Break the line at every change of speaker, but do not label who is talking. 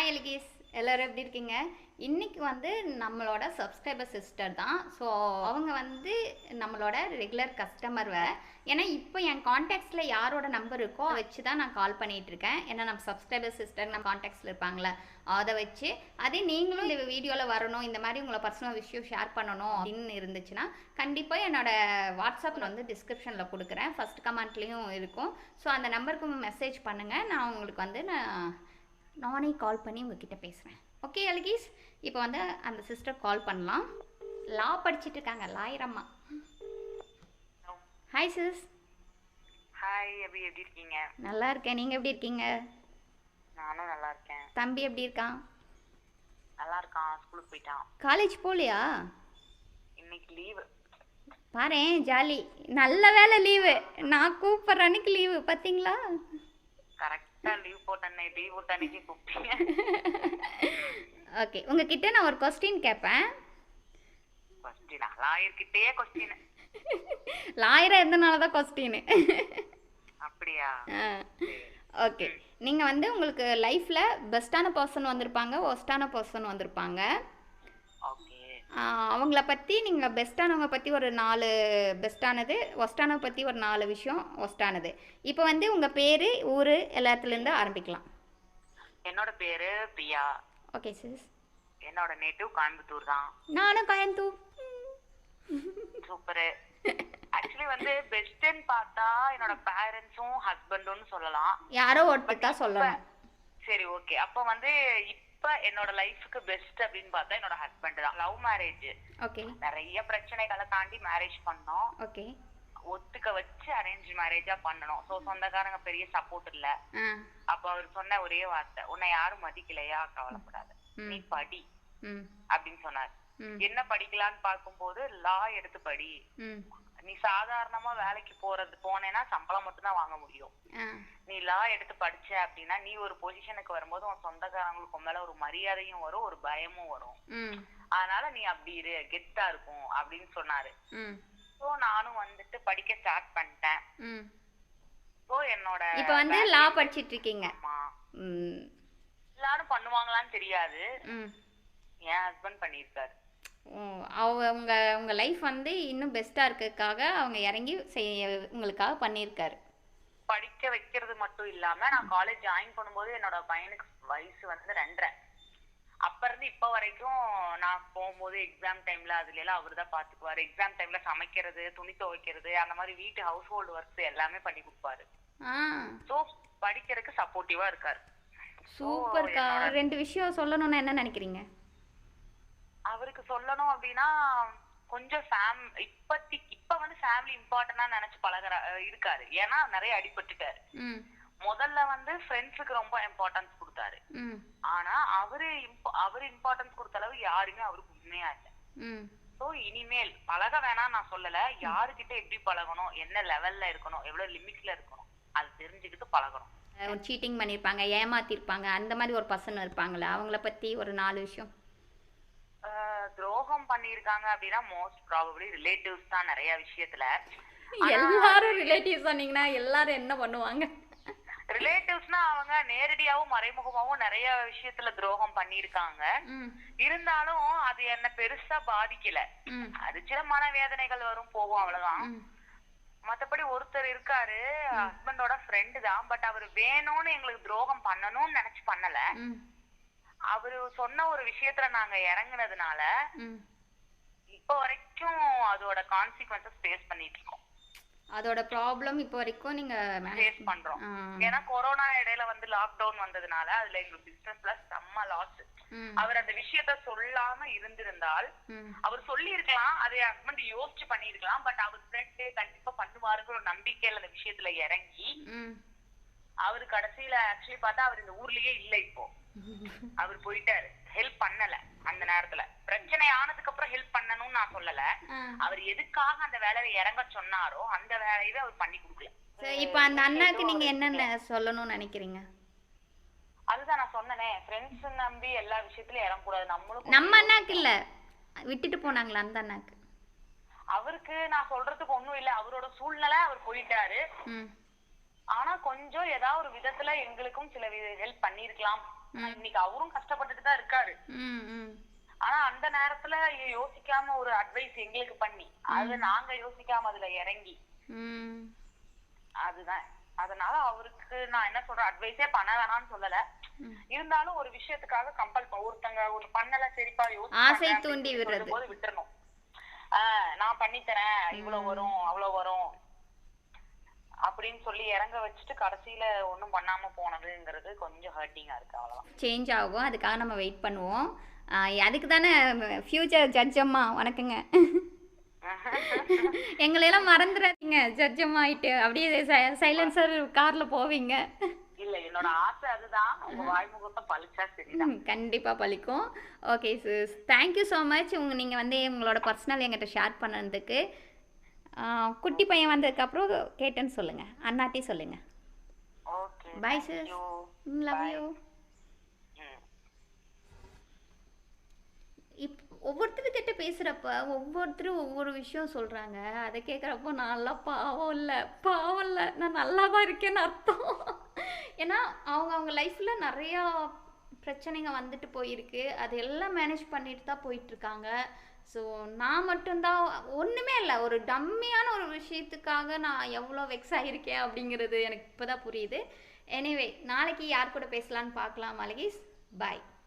Hi எலிகீஸ், எல்லோரும் எப்படி இருக்கீங்க? இன்றைக்கி வந்து நம்மளோட சப்ஸ்கிரைபர் சிஸ்டர் தான். ஸோ அவங்க வந்து நம்மளோட ரெகுலர் கஸ்டமர் வேறு. ஏன்னா இப்போ என் காண்டாக்ட்ஸில் யாரோட நம்பர் இருக்கோ அதை வச்சு தான் நான் கால் பண்ணிகிட்ருக்கேன். ஏன்னா நம்ம சப்ஸ்கிரைபர் சிஸ்டர் நம்ம காண்டாக்ட்ஸில் இருப்பாங்களே அதை வச்சு. அதே நீங்களும் இந்த வீடியோவில் வரணும், இந்த மாதிரி உங்களை பர்சனல் விஷயம் ஷேர் பண்ணணும் அப்படின்னு இருந்துச்சுன்னா கண்டிப்பாக என்னோடய வாட்ஸ்அப் வந்து டிஸ்கிரிப்ஷனில் கொடுக்குறேன், ஃபஸ்ட் கமெண்ட்லேயும் இருக்கும். ஸோ அந்த நம்பருக்கு மெசேஜ் பண்ணுங்கள், நான் உங்களுக்கு வந்து நானே கால் பண்ணி உங்ககிட்ட பேசுகிறேன். ஓகே எலிகீஸ், இப்போ வந்து அந்த சிஸ்டர் கால் பண்ணலாம். லா படிச்சுட்டு இருக்காங்க, லாயரம்மா. Hi sis.
ஹாய், எப்படி இருக்கீங்க?
நல்லா இருக்கேன், நீங்கள் எப்படி இருக்கீங்க?
நானும் நல்லா இருக்கேன்.
தம்பி எப்படி இருக்கான்?
நல்லா இருக்கான், ஸ்கூலுக்கு போயிட்டான்.
காலேஜ் போகலையா?
இன்னைக்கு லீவு.
பாரேன், ஜாலி. நல்ல வேலை லீவு. நான் கூப்பிட்ற அன்னைக்கு லீவு, பார்த்தீங்களா?
கரெக்டாக லீவ் போட்ட அன்னைக்கு கூப்பிட்டீங்க.
ஓகே, உங்ககிட்ட நான் ஒரு கொஸ்டின் கேட்பேன்.
கொஸ்டினா? லாயர்கிட்டயே கொஸ்டின்?
லாயராக இருந்தனால தான் கொஸ்டின்.
அப்படியா?
ஓகே, நீங்கள் வந்து உங்களுக்கு லைஃப்பில் பெஸ்ட்டான பர்சன் வந்திருப்பாங்க, ஒஸ்ட்டான பர்சன் வந்திருப்பாங்க. அவங்கள பற்றி நீங்கள் பெஸ்ட்டானவங்க பற்றி ஒரு 4 பெஸ்ட்டானது, ஒஸ்ட்டானவை பற்றி ஒரு 4 விஷயம் ஒஸ்ட்டானது. இப்போ வந்து உங்கள் பேர், ஊர் எல்லாத்துலேருந்து ஆரம்பிக்கலாம்.
என்னோட பேர் பிரியா.
Okay sis.
என்னோட நேட்டிவ் கோயம்புத்தூர் தான்.
நானும் கோயம்புத்தூர்.
சூப்பரு. ஆக்சுவலி வந்து பெஸ்ட்ன்னு பார்த்தா என்னோட பேரண்ட்ஸும் ஹஸ்பண்டும் சொல்லலாம்.
யாரோ ஒருத்தர் தான் சொல்லலாம்.
சரி, ஓகே. அப்போ வந்து இப்ப என்னோட லைஃப்க்கு பெஸ்ட் அப்படின்னு பார்த்தா என்னோட ஹஸ்பண்ட் தான். Love marriage.
ஓகே.
நிறைய பிரச்சனைகளை தாண்டி மேரேஜ் பண்ணோம்.
ஓகே.
ஒத்துக்க வச்சு அரேஞ்ச் மேரேஜா பண்ணணும். சோ சொந்தக்காரங்க பெரிய சப்போர்ட் இல்ல. அப்ப அவர் சொன்ன ஒரே வார்த்தை, உன்னை யாரும் மதிக்கலையா, கவலைப்படாத, நீ படி அப்படின்னு சொன்னார். என்ன படிக்கலான்னு பார்க்கும்போது லா எடுத்து படி. நீ சாதாரணமா வேலைக்கு போனேன்னா சம்பளம் மட்டும் தான் வாங்க முடியும். நீ லா எடுத்து படிச்ச அப்படின்னா நீ ஒரு பொசிஷனுக்கு வரும்போது உன் சொந்தக்காரங்களுக்கு மேல ஒரு மரியாதையும் வரும், ஒரு பயமும் வரும். அதனால நீ அப்படி இரு, கெத்தா இருக்கும் அப்படின்னு சொன்னாரு. சோ நானும் வந்துட்டு படிக்க ஸ்டார்ட் பண்ணிட்டேன். சோ என்னோட
இப்ப வந்து லா படிச்சிட்டு இருக்கீங்க.
எல்லாரும் பண்ணுவாங்களான்னு தெரியாது, என் ஹஸ்பண்ட் பண்ணிருக்காரு.
உங்க லைஃப் வந்து இன்னும் பெஸ்டா இருக்கிறதுக்காக அவங்க இறங்கி உங்களுக்காக பண்ணியிருக்காரு.
படிக்க வைக்கிறது மட்டும் இல்லாம நான் காலேஜ் ஜாயின் பண்ணும்போது என்னோட பையனுக்கு வயசு வந்து 2.5. அப்ப இருந்து இப்ப வரைக்கும் நான் போகும்போது எக்ஸாம் டைம்ல அதுல எல்லாம் அவரு தான் பாத்துக்குவாரு. எக்ஸாம் டைம்ல சமைக்கிறது, துணி துவைக்கிறது, அந்த மாதிரி வீட்டு ஹவுஸ் ஹோல்டு ஒர்க்ஸ் எல்லாமே பண்ணி கொடுப்பாரு. சோ படிக்கிறதுக்கு சப்போர்ட்டிவா இருக்காரு.
சூப்பர்க்கா. 2 விஷயம் சொல்லணும்னா என்ன நினைக்கிறீங்க?
அவருக்கு சொல்லணும் அப்படின்னா கொஞ்சம் இப்ப வந்து ஃபேமிலி இம்பார்ட்டன்டா நினைச்சு இருக்காரு. ஏன்னா நிறைய அடிபட்டுட்டாரு. முதல்ல வந்து ஃப்ரெண்ட்ஸுக்கு ரொம்ப இம்பார்ட்டன்ஸ் கொடுத்தாரு. ஆனா அவரு இம்பார்ட்டன்ஸ் கொடுத்த அளவு யாருமே அவருக்கு உண்மையா இல்ல. சோ இனிமேல் பழக வேணாம் நான் சொல்லல, யாருக்கிட்ட எப்படி பழகணும், என்ன லெவல்ல இருக்கணும், எவ்வளவு லிமிட்ல இருக்கணும், அது தெரிஞ்சுக்கிட்டு பழகணும்.
சீட்டிங் பண்ணிருப்பாங்க, ஏமாத்திருப்பாங்க, அந்த மாதிரி ஒரு பர்சன் இருப்பாங்களே, அவங்கள பத்தி ஒரு 4 விஷயம்.
துரோகம் பண்ணிருக்காங்க அப்படின்னா மோஸ்ட் ப்ராபபிலி ரிலேட்டிவ்ஸ் தான். நிறைய விஷயத்துல
எல்லாரும் ரிலேட்டிவ்ஸ் சொன்னீங்கன்னா எல்லாரும் என்ன பண்ணுவாங்க?
ரிலேட்டிவ்ஸ்னா அவங்க நேரடியாவும் மறைமுகமாவும் நிறைய விஷயத்துல துரோகம் பண்ணிருக்காங்க. இருந்தாலும் அது என்ன பெருசா பாதிக்கல. அது சில மனவேதனைகள் வரும், போகும், அவ்வளவுதான். மத்தபடி ஒருத்தர் இருக்காரு, ஹஸ்பண்டோட ஃப்ரெண்டு தான். பட் அவர் வேணும்னு எங்களுக்கு துரோகம் பண்ணணும்னு நினைச்சு பண்ணல. அவரு சொன்ன ஒரு விஷயத்துல நாங்க இறங்குனதுனால இப்ப வரைக்கும் அதோட கான்சிக்வன்சஸ் ஃபேஸ் பண்ணிட்டு இருக்கோம்.
அதோட ப்ராப்ளம் இப்ப வரைக்கும் நீங்க
ஃபேஸ் பண்றோம். ஏன்னா கொரோனா இடையில வந்து லாக்டவுன் வந்ததுனால அதுல எங்க பிசினஸ்ல செம்ம லாஸ். அவர் அந்த விஷயத்த சொல்லாம இருந்திருந்தால் அவர் சொல்லி இருக்கலாம், அதை ஹஸ்பண்ட் யோசிச்சு பண்ணிருக்கலாம். பட் அவர் ஃப்ரெண்டு கண்டிப்பா பண்ணுவாருங்கிற ஒரு நம்பிக்கையில அந்த விஷயத்துல இறங்கி அவரு கடைசியில ஆக்சுவலி பார்த்தா அவர் இந்த ஊர்லயே இல்ல. இப்போ அவர் போயிட்டாரு. ஹெல்ப் பண்ணல அந்த நேரத்துல. பிரச்சனை ஆனதுக்கு அப்புறம் ஹெல்ப் பண்ணணும்னு நான் சொல்லல. அவர் எதுக்காக அந்த வேலையில இறங்க சொன்னாரோ அந்த வேலையவே அவர் பண்ணி கொடுக்கல.
இப்ப அந்த அண்ணாக்கு நீங்க என்னென்ன சொல்லணும்னு நினைக்கிறீங்க?
அதுதான் நான் சொன்னனே, ஃப்ரெண்ட்ஸ் நம்பி எல்லா விஷயத்துலயும் இறங்கக்கூடாது.
நம்ம அண்ணாக்கு இல்ல, விட்டுட்டு போனாங்களா அந்த அண்ணாக்கு?
அவருக்கு நான் சொல்றதுக்கு ஒண்ணும் இல்ல, அவரோட சூழ்நிலை, அவர் போயிட்டாரு. ஆனா கொஞ்சம் ஏதாவது ஒரு விதத்துல எங்களுக்கும் சில ஹெல்ப் பண்ணிருக்கலாம். இன்னைக்கு அவரும் கஷ்டப்பட்டுட்டு தான் இருக்காரு. ஆனா அந்த நேரத்துல யோசிக்காம ஒரு அட்வைஸ் எங்களுக்கு பண்ணி அது நாங்க யோசிக்காம அதுல இறங்கி அதுதான். அதனால அவருக்கு நான் என்ன சொல்றேன், அட்வைஸே பண்ண வேணாம்னு சொல்லல, இருந்தாலும் ஒரு விஷயத்துக்காக கம்பல் ஒருத்தங்க ஒரு பண்ணல சரிப்பா
ஆசை தூண்டி விடுறது
போது விட்டுறணும். நான் பண்ணி தரேன், இவ்வளவு வரும் அவ்வளவு வரும் அப்படின்னு சொல்லி இறங்க வச்சுட்டு கடைசியில ஒண்ணும் பண்ணாம போனதுங்கிறது கொஞ்சம் ஹர்ட்டிங்கா இருக்கு. அவ்வளவுதான்.
சேஞ்ச் ஆகும், அதுக்காக நம்ம வெயிட் பண்ணுவோம். அதுக்கு தானே ஃபியூச்சர் ஜட்ஜ் அம்மா வணக்கங்க. எங்களையெல்லாம் மறந்துடாதீங்க ஜட்ஜ் அம்மா ஆயிட்டு அப்படியே சைலன்சர் கார்ல போவீங்க.
இல்ல என்னோட ஆசை அதுதான், உங்க வாய்முகத்தை பழிச்சா சரிதான்.
கண்டிப்பா பழிக்கும். Okay sis, thank you so much. நீங்க வந்து உங்களோட பர்சனல் எங்கிட்ட ஷேர் பண்ணதுக்கு. குட்டி பையன் வந்ததுக்கப்புறம் கேட்டேன்னு சொல்லுங்க, அண்ணாட்டி சொல்லுங்க.
Okay
bye sis, love you. ஒவ்வொருத்தர்கிட்ட பேசுகிறப்ப ஒவ்வொருத்தரும் ஒவ்வொரு விஷயம் சொல்கிறாங்க. அதை கேட்குறப்போ நான்லாம் பாவம் இல்லை, நான் நல்லா தான் இருக்கேன்னு அர்த்தம். ஏன்னா அவங்க லைஃப்பில் நிறையா பிரச்சனைங்க வந்துட்டு போயிருக்கு, அது எல்லாம் மேனேஜ் பண்ணிட்டு தான் போயிட்டுருக்காங்க. ஸோ நான் மட்டும்தான் ஒன்றுமே இல்லை, ஒரு டம்மியான ஒரு விஷயத்துக்காக நான் எவ்வளோ வெக்ஸ் ஆகியிருக்கேன் அப்படிங்கிறது எனக்கு இப்போ தான் புரியுது. எனிவே நாளைக்கு யார் கூட பேசலான்னு பார்க்கலாம். மலகீஸ், பாய்.